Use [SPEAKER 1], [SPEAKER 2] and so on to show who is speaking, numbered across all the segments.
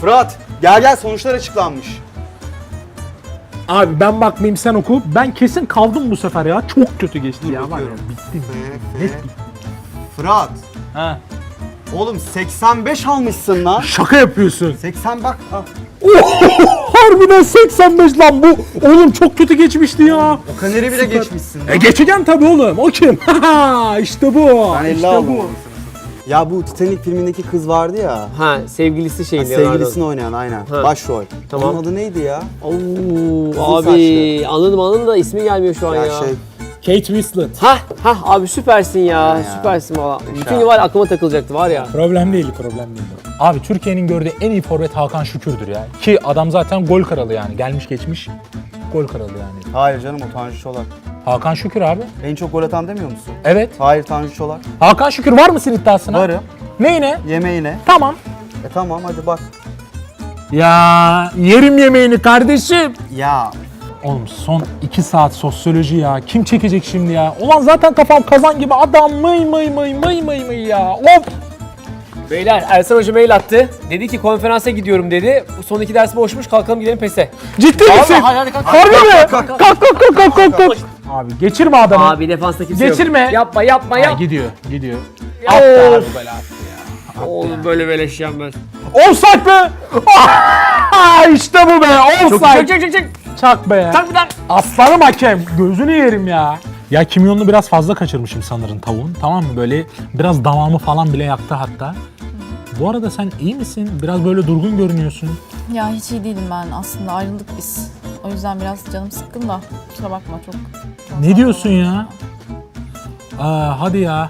[SPEAKER 1] Fırat gel sonuçlar açıklanmış.
[SPEAKER 2] Abi ben bakmayayım sen oku. Ben kesin kaldım bu sefer ya. Çok kötü geçti ya. Var ya
[SPEAKER 1] bakıyorum.
[SPEAKER 2] bittim.
[SPEAKER 1] F. Fırat.
[SPEAKER 2] Ha.
[SPEAKER 1] Oğlum 85 almışsın lan.
[SPEAKER 2] Şaka yapıyorsun.
[SPEAKER 1] 80 bak. Al.
[SPEAKER 2] Harbiden 85 lan bu. Oğlum çok kötü geçmişti ya.
[SPEAKER 1] O kaneri bile geçmişsin.
[SPEAKER 2] Geçeceğim tabii oğlum. O kim? İşte bu.
[SPEAKER 1] Ben 50
[SPEAKER 2] işte
[SPEAKER 1] aldım.
[SPEAKER 2] bu.
[SPEAKER 1] Ya bu Titanic filmindeki kız vardı ya.
[SPEAKER 3] Ha, sevgilisi
[SPEAKER 1] Ha,
[SPEAKER 3] şeyin
[SPEAKER 1] sevgilisini oynayan aynen.
[SPEAKER 3] Ha.
[SPEAKER 1] Başrol.
[SPEAKER 3] Tamam.
[SPEAKER 1] Onun adı neydi ya?
[SPEAKER 3] Oo,
[SPEAKER 1] Uzun
[SPEAKER 3] abi anladım da ismi gelmiyor şu an ya.
[SPEAKER 2] Kate Winslet.
[SPEAKER 3] Ha abi süpersin ya.
[SPEAKER 1] Ya.
[SPEAKER 3] Süpersin valla. Bütün gün var aklıma takılacaktı var ya.
[SPEAKER 2] Problem değil. Abi Türkiye'nin gördüğü en iyi forvet Hakan Şükür'dür ya. Ki adam zaten gol kralı yani. Gelmiş geçmiş gol kralı yani.
[SPEAKER 1] Hayır canım o Tanju Çolak.
[SPEAKER 2] Hakan Şükür abi.
[SPEAKER 1] En çok gol atan demiyor musun?
[SPEAKER 2] Evet.
[SPEAKER 1] Hayır Tanju Çolak.
[SPEAKER 2] Hakan Şükür var mısın iddiasına?
[SPEAKER 1] Varım.
[SPEAKER 2] Neyine?
[SPEAKER 1] Yemeğine.
[SPEAKER 2] Tamam.
[SPEAKER 1] Tamam hadi bak.
[SPEAKER 2] Ya yerim yemeğini kardeşim.
[SPEAKER 1] Ya
[SPEAKER 2] Oğlum son 2 saat sosyoloji ya. Kim çekecek şimdi ya? Ulan zaten kafam kazan gibi adam mıy ya. Of.
[SPEAKER 3] Beyler Ersan Hoca mail attı. Dedi ki konferansa gidiyorum dedi. Bu son 2 ders boşmuş kalkalım gidelim PES'e.
[SPEAKER 2] Ciddi misin?
[SPEAKER 3] hadi kalk.
[SPEAKER 2] Harbi mi? Kalk. Abi geçirme adamı.
[SPEAKER 3] Abi defansta kimse
[SPEAKER 2] Geçirme.
[SPEAKER 3] yok. Yapma.
[SPEAKER 2] Ha, gidiyor.
[SPEAKER 3] Ya.
[SPEAKER 2] Attı abi
[SPEAKER 3] Of.
[SPEAKER 2] belası ya.
[SPEAKER 3] Oğlum böyle beleşeceğim ben.
[SPEAKER 2] Offside be! İşte bu be! Offside!
[SPEAKER 3] Çek.
[SPEAKER 2] Çak be!
[SPEAKER 3] Kalk bir daha.
[SPEAKER 2] Aslanım hakem! Gözünü yerim ya! Ya kimyonunu biraz fazla kaçırmışım sanırım tavuğun. Tamam mı? Böyle biraz damağımı falan bile yaktı hatta. Bu arada sen iyi misin? Biraz böyle durgun görünüyorsun.
[SPEAKER 4] Ya hiç iyi değilim ben aslında ayrıldık biz. O yüzden biraz canım sıkkın da kusura bakma çok.
[SPEAKER 2] Ne diyorsun ya? Hadi ya.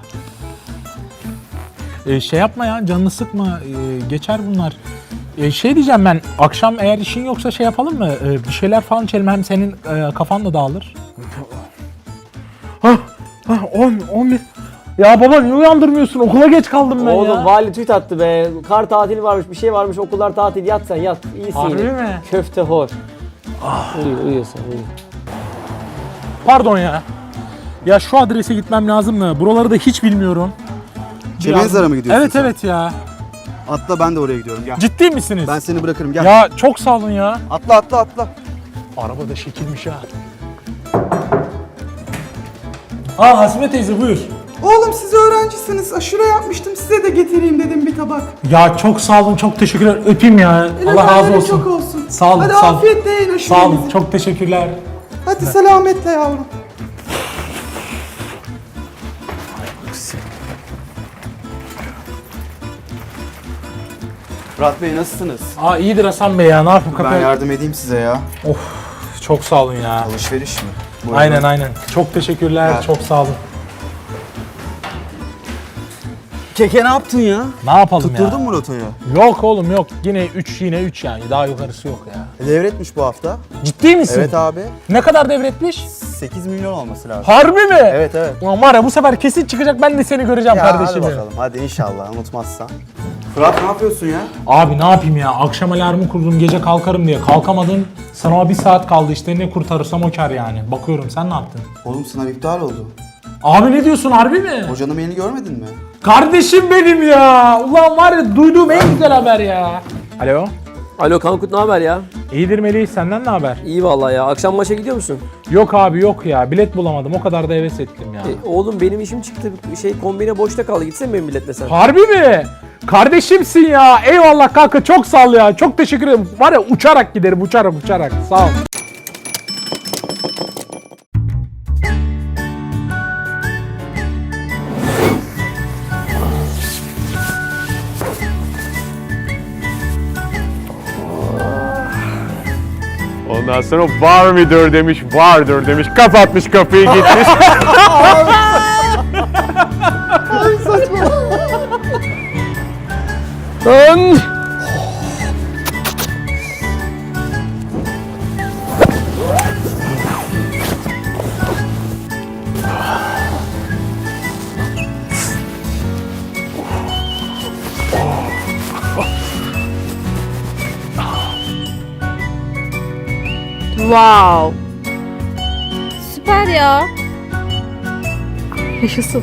[SPEAKER 2] Şey yapma ya, canını sıkma. Geçer bunlar. Şey diyeceğim ben, akşam eğer işin yoksa şey yapalım mı? Bir şeyler falan içelim, hem senin kafan da dağılır. 11. Ya baba niye uyandırmıyorsun? Okula geç kaldım ben
[SPEAKER 3] Oğlum
[SPEAKER 2] ya.
[SPEAKER 3] vali tweet attı be. Kar tatili varmış, bir şey varmış, okullar tatil. Yat sen yat. İyisin
[SPEAKER 2] Harbi
[SPEAKER 3] yine.
[SPEAKER 2] mi?
[SPEAKER 3] Köfte hor. Uyuyor sen uyu.
[SPEAKER 2] Pardon ya. Ya şu adrese gitmem lazım mı? Buraları da hiç bilmiyorum.
[SPEAKER 1] Çemenzara mı gidiyorsun
[SPEAKER 2] Evet
[SPEAKER 1] sen?
[SPEAKER 2] evet ya.
[SPEAKER 1] Atla ben de oraya gidiyorum gel.
[SPEAKER 2] Ciddi misiniz?
[SPEAKER 1] Ben seni bırakırım gel.
[SPEAKER 2] Ya çok sağ olun ya.
[SPEAKER 1] Atla.
[SPEAKER 2] Araba da şekilmiş ha. Hasibe teyze buyur.
[SPEAKER 5] Oğlum siz öğrencisiniz. Aşure yapmıştım. Size de getireyim dedim bir tabak.
[SPEAKER 2] Ya çok sağ olun, çok teşekkürler. Öpeyim ya. Allah razı
[SPEAKER 5] Efendim,
[SPEAKER 2] olsun.
[SPEAKER 5] çok olsun.
[SPEAKER 2] Sağ olun,
[SPEAKER 5] Hadi
[SPEAKER 2] sağ olun.
[SPEAKER 5] afiyetle yiyin aşurenizi.
[SPEAKER 2] Sağ olun, çok teşekkürler.
[SPEAKER 5] Hadi selametle yavrum.
[SPEAKER 1] Fırat Bey nasılsınız?
[SPEAKER 2] İyidir Hasan Bey ya, ne yapayım
[SPEAKER 1] Ben
[SPEAKER 2] kapı?
[SPEAKER 1] yardım edeyim size ya.
[SPEAKER 2] Çok sağ olun ya.
[SPEAKER 1] Alışveriş mi? Buyurun.
[SPEAKER 2] Aynen. Çok teşekkürler,
[SPEAKER 1] Ya.
[SPEAKER 2] çok sağ olun.
[SPEAKER 1] Keke ne yaptın ya?
[SPEAKER 2] Ne yapalım
[SPEAKER 1] Tutturdun
[SPEAKER 2] ya?
[SPEAKER 1] mu rotoyu?
[SPEAKER 2] Yok oğlum yok. Yine 3 yani. Daha yukarısı yok ya.
[SPEAKER 1] Devretmiş bu hafta.
[SPEAKER 2] Ciddi misin?
[SPEAKER 1] Evet abi.
[SPEAKER 2] Ne kadar devretmiş?
[SPEAKER 1] 8 milyon olması lazım.
[SPEAKER 2] Harbi mi?
[SPEAKER 1] Evet.
[SPEAKER 2] Ulan var ya bu sefer kesin çıkacak, ben de seni göreceğim
[SPEAKER 1] Ya
[SPEAKER 2] kardeşim.
[SPEAKER 1] hadi bakalım. Hadi inşallah unutmazsan. Fırat ne yapıyorsun ya?
[SPEAKER 2] Abi ne yapayım ya, akşam alarmı kurdum gece kalkarım diye. Kalkamadım. Sınava 1 saat kaldı işte, ne kurtarırsam o kar yani. Bakıyorum, sen ne yaptın?
[SPEAKER 1] Oğlum sınav iptal oldu.
[SPEAKER 2] Abi ne diyorsun, harbi mi?
[SPEAKER 1] Hocanın mailini görmedin mi?
[SPEAKER 2] Kardeşim benim ya. Ulan var ya, duyduğum en güzel haber ya. Alo.
[SPEAKER 3] Alo Kankut ne haber ya?
[SPEAKER 2] İyidir Melih, senden ne haber?
[SPEAKER 3] İyi vallahi ya. Akşam maça gidiyor musun?
[SPEAKER 2] Yok abi yok ya, bilet bulamadım, o kadar da heves ettim ya.
[SPEAKER 3] Oğlum benim işim çıktı. Kombine boşta kaldı. Gitsene benim biletle sen.
[SPEAKER 2] Harbi mi? Kardeşimsin ya. Eyvallah kanka, çok sağ ol ya. Çok teşekkür ederim. Var ya, uçarak giderim, uçarak. Sağ ol.
[SPEAKER 6] Ondan sonra var mıdır demiş, vardır demiş, kapatmış kapıyı gitmiş.
[SPEAKER 4] Wow. Süper ya. Yaşasın.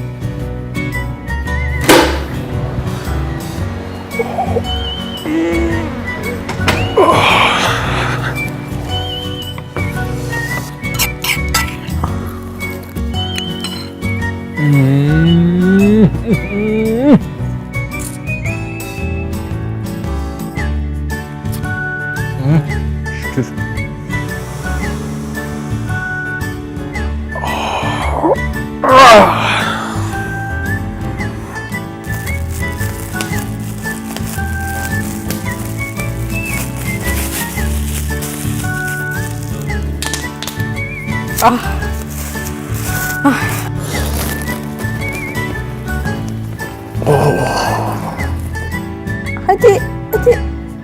[SPEAKER 2] Şükür.
[SPEAKER 4] Hadi, hadi.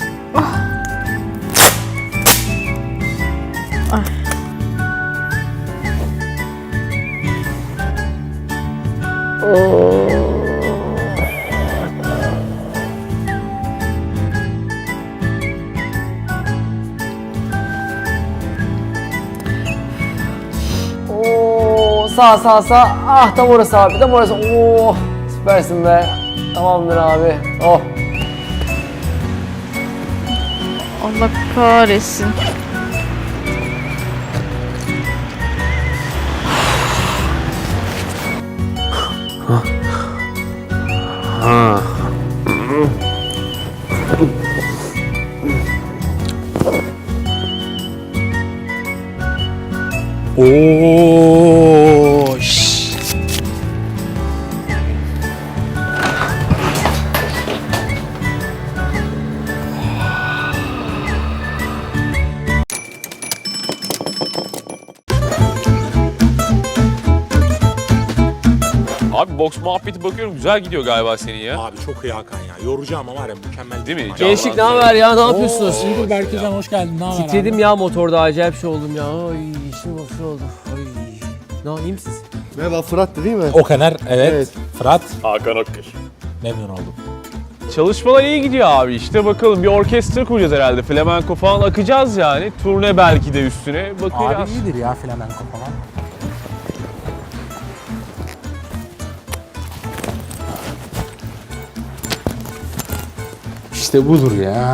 [SPEAKER 3] Oo, sağ. Ah tam orası abi, tam orası. Oo, süpersin be. Tamamdır abi. Oh.
[SPEAKER 4] Allah kahretsin.
[SPEAKER 2] Oo.
[SPEAKER 7] Abi boks muhabbeti bakıyorum güzel gidiyor galiba senin ya.
[SPEAKER 2] Abi çok iyi Hakan ya. Yoracağım ama var ya mükemmel.
[SPEAKER 7] Değil mi?
[SPEAKER 3] Gençlik ne haber ya? Ne yapıyorsunuz?
[SPEAKER 2] İyidir Berkecan, hoş geldin. Ne haber
[SPEAKER 3] Titredim
[SPEAKER 2] abi?
[SPEAKER 3] ya motorda, acayip şey oldum ya. Ay içim boş oldu. Ay. Ne iyi misiniz?
[SPEAKER 1] Merhaba Fırat'tı değil mi?
[SPEAKER 2] O kadar, evet.
[SPEAKER 1] Evet.
[SPEAKER 2] Fırat,
[SPEAKER 7] Hakan Akkır.
[SPEAKER 2] memnun oldum.
[SPEAKER 7] Çalışmalar iyi gidiyor abi işte bakalım bir orkestra kuracağız herhalde. Flamenco falan akacağız yani. Turne belki de üstüne bakacağız.
[SPEAKER 2] Abi iyidir ya flamenko falan. İşte budur ya.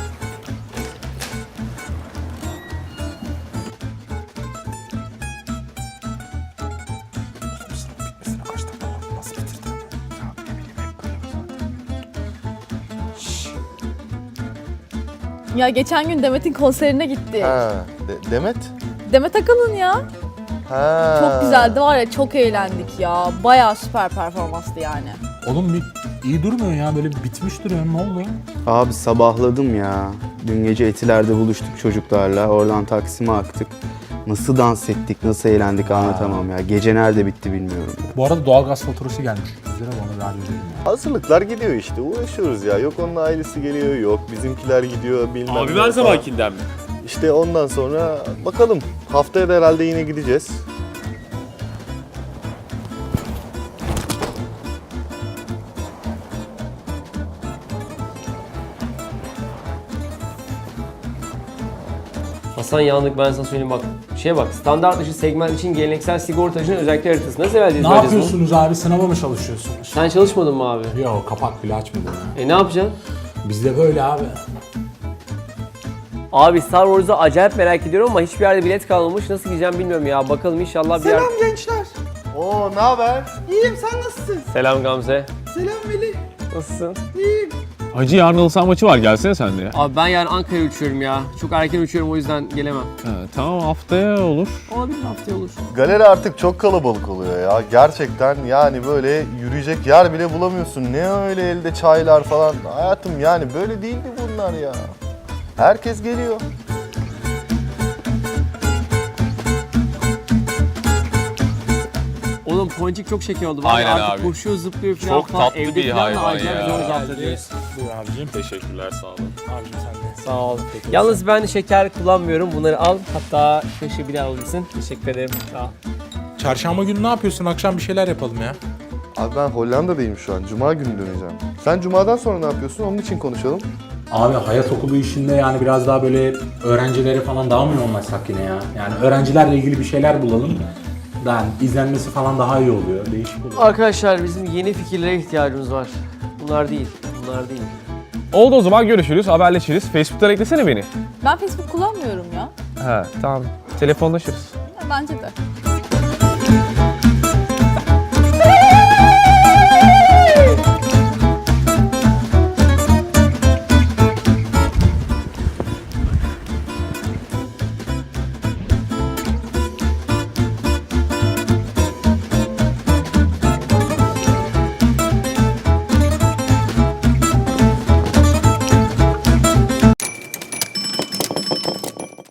[SPEAKER 4] Ya geçen gün Demet'in konserine gitti.
[SPEAKER 8] Ha, Demet?
[SPEAKER 4] Demet Akalın ya.
[SPEAKER 8] Ha.
[SPEAKER 4] Çok güzeldi var ya, çok eğlendik ya. Bayağı süper performanstı yani.
[SPEAKER 2] Oğlum bir iyi durmuyor ya, böyle bitmiş duruyor. Ne oldu?
[SPEAKER 1] Abi sabahladım ya. Dün gece Etiler'de buluştuk çocuklarla. Oradan Taksim'e aktık. Nasıl dans ettik, nasıl eğlendik anlatamam ya. Gece nerede bitti bilmiyorum ya.
[SPEAKER 2] Bu arada doğalgaz faturası gelmiş. Bizlere onu bir halledelim ya.
[SPEAKER 8] Hazırlıklar gidiyor işte, uğraşıyoruz ya. Yok onun ailesi geliyor, yok bizimkiler gidiyor, bilmem
[SPEAKER 7] Abi
[SPEAKER 8] ne
[SPEAKER 7] her
[SPEAKER 8] falan.
[SPEAKER 7] zamankinden mi?
[SPEAKER 8] İşte ondan sonra bakalım. Haftaya da herhalde yine gideceğiz.
[SPEAKER 3] Hasan yandık, ben sana söyleyeyim bak. Bak, standart dışı segment için geleneksel sigortacının özellikleri haritası. Nasıl vereceğiz?
[SPEAKER 2] Ne yapıyorsunuz abi? Sınava mı çalışıyorsunuz?
[SPEAKER 3] Sen çalışmadın mı abi?
[SPEAKER 2] Yok, kapak bile açmadım ya.
[SPEAKER 3] Ne yapacaksın?
[SPEAKER 2] Bizde böyle abi.
[SPEAKER 3] Abi Star Wars'u acayip merak ediyorum ama hiçbir yerde bilet kalmamış. Nasıl gideceğim bilmiyorum ya. Bakalım inşallah bir yer...
[SPEAKER 5] Selam gençler.
[SPEAKER 8] Oo, ne haber?
[SPEAKER 5] İyiyim, sen nasılsın?
[SPEAKER 3] Selam Gamze.
[SPEAKER 5] Selam Veli.
[SPEAKER 3] Nasılsın?
[SPEAKER 5] İyiyim.
[SPEAKER 7] Hacı yarın halı saha maçı var gelsene sen de ya.
[SPEAKER 3] Abi ben yarın Ankara'ya uçuyorum ya. Çok erken uçuyorum, o yüzden gelemem.
[SPEAKER 7] Tamam haftaya olur.
[SPEAKER 3] Olabilir, haftaya olur.
[SPEAKER 8] Galeri artık çok kalabalık oluyor ya. Gerçekten yani böyle yürüyecek yer bile bulamıyorsun. Ne öyle elde çaylar falan. Hayatım yani böyle değildi bunlar ya. Herkes geliyor.
[SPEAKER 3] Oğlum Ponçik çok şeker oldu. Vallahi
[SPEAKER 7] Aynen
[SPEAKER 3] artık
[SPEAKER 7] abi.
[SPEAKER 3] koşuyor, zıplıyor falan.
[SPEAKER 7] Çok tatlı
[SPEAKER 3] Evde
[SPEAKER 7] bir
[SPEAKER 3] falan da
[SPEAKER 7] hayvan
[SPEAKER 3] acayip
[SPEAKER 7] ya.
[SPEAKER 3] zor zapt ediyoruz.
[SPEAKER 2] Buyur abicim.
[SPEAKER 7] Teşekkürler sağ olun.
[SPEAKER 2] Abicim sen de.
[SPEAKER 3] Sağ ol. Yalnız ben şeker kullanmıyorum. Bunları al. Hatta kaşığı bile alabilirsin. Teşekkür ederim. Sağ ol.
[SPEAKER 2] Çarşamba günü ne yapıyorsun? Akşam bir şeyler yapalım ya.
[SPEAKER 8] Abi ben Hollanda'dayım şu an. Cuma günü döneceğim. Sen Cuma'dan sonra ne yapıyorsun? Onun için konuşalım.
[SPEAKER 2] Abi hayat okulu işinde yani biraz daha böyle öğrencilere falan daha mı yoğunlaşsak yine ya? Yani öğrencilerle ilgili bir şeyler bulalım. Yani izlenmesi falan daha iyi oluyor. Değişik oluyor.
[SPEAKER 3] Arkadaşlar bizim yeni fikirlere ihtiyacımız var. Bunlar değil. Bunlar değil.
[SPEAKER 7] Oldu o zaman görüşürüz, haberleşiriz. Facebook'tan eklesene beni.
[SPEAKER 4] Ben Facebook kullanmıyorum ya.
[SPEAKER 7] He tamam. Telefonlaşırız.
[SPEAKER 4] Bence de.